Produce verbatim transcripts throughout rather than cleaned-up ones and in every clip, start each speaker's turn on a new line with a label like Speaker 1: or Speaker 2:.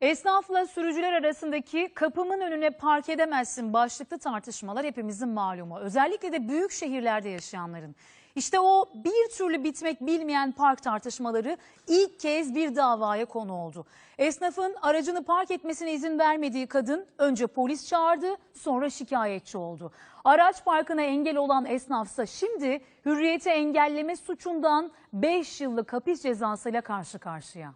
Speaker 1: Esnafla sürücüler arasındaki kapımın önüne park edemezsin başlıklı tartışmalar hepimizin malumu. Özellikle de büyük şehirlerde yaşayanların. İşte o bir türlü bitmek bilmeyen park tartışmaları ilk kez bir davaya konu oldu. Esnafın aracını park etmesine izin vermediği kadın önce polis çağırdı, sonra şikayetçi oldu. Araç parkına engel olan esnafsa şimdi hürriyeti engelleme suçundan beş yıllık hapis cezasıyla karşı karşıya.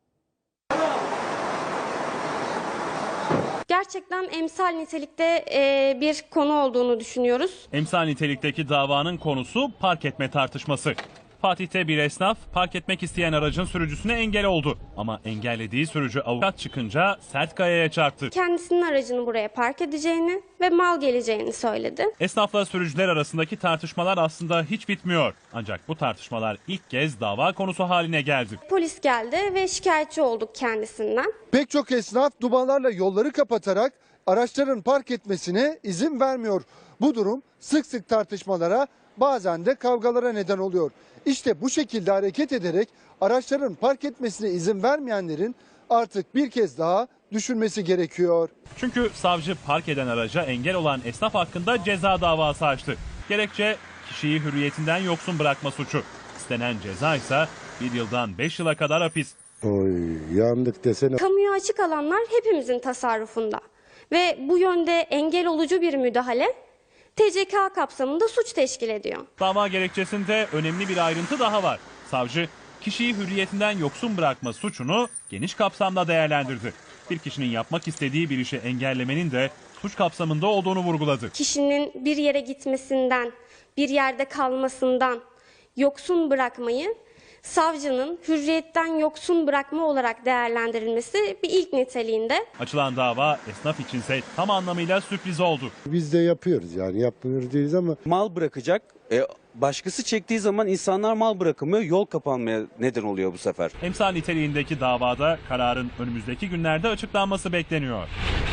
Speaker 2: Gerçekten emsal nitelikte e, bir konu olduğunu düşünüyoruz.
Speaker 3: Emsal nitelikteki davanın konusu park etme tartışması. Fatih'te bir esnaf park etmek isteyen aracın sürücüsüne engel oldu. Ama engellediği sürücü avukat çıkınca sert kayaya çarptı.
Speaker 2: Kendisinin aracını buraya park edeceğini ve mal geleceğini söyledi.
Speaker 3: Esnafla sürücüler arasındaki tartışmalar aslında hiç bitmiyor. Ancak bu tartışmalar ilk kez dava konusu haline geldi.
Speaker 2: Polis geldi ve şikayetçi olduk kendisinden.
Speaker 4: Pek çok esnaf dubalarla yolları kapatarak araçların park etmesine izin vermiyor. Bu durum sık sık tartışmalara, bazen de kavgalara neden oluyor. İşte bu şekilde hareket ederek araçların park etmesine izin vermeyenlerin artık bir kez daha düşünmesi gerekiyor.
Speaker 3: Çünkü savcı park eden araca engel olan esnaf hakkında ceza davası açtı. Gerekçe kişiyi hürriyetinden yoksun bırakma suçu. İstenen ceza ise bir yıldan beş yıla kadar hapis.
Speaker 5: Oy, yandık desene.
Speaker 2: Kamuya açık alanlar hepimizin tasarrufunda ve bu yönde engel olucu bir müdahale T C K kapsamında suç teşkil ediyor.
Speaker 3: Dava gerekçesinde önemli bir ayrıntı daha var. Savcı kişiyi hürriyetinden yoksun bırakma suçunu geniş kapsamda değerlendirdi. Bir kişinin yapmak istediği bir işi engellemenin de suç kapsamında olduğunu vurguladı.
Speaker 2: Kişinin bir yere gitmesinden, bir yerde kalmasından yoksun bırakmayı savcının hürriyetten yoksun bırakma olarak değerlendirilmesi bir ilk niteliğinde.
Speaker 3: Açılan dava esnaf içinse tam anlamıyla sürpriz oldu.
Speaker 5: Biz de yapıyoruz yani yapmıyoruz değiliz ama.
Speaker 6: Mal bırakacak. E, başkası çektiği zaman insanlar mal bırakamıyor. Yol kapanmaya neden oluyor bu sefer.
Speaker 3: Emsal niteliğindeki davada kararın önümüzdeki günlerde açıklanması bekleniyor.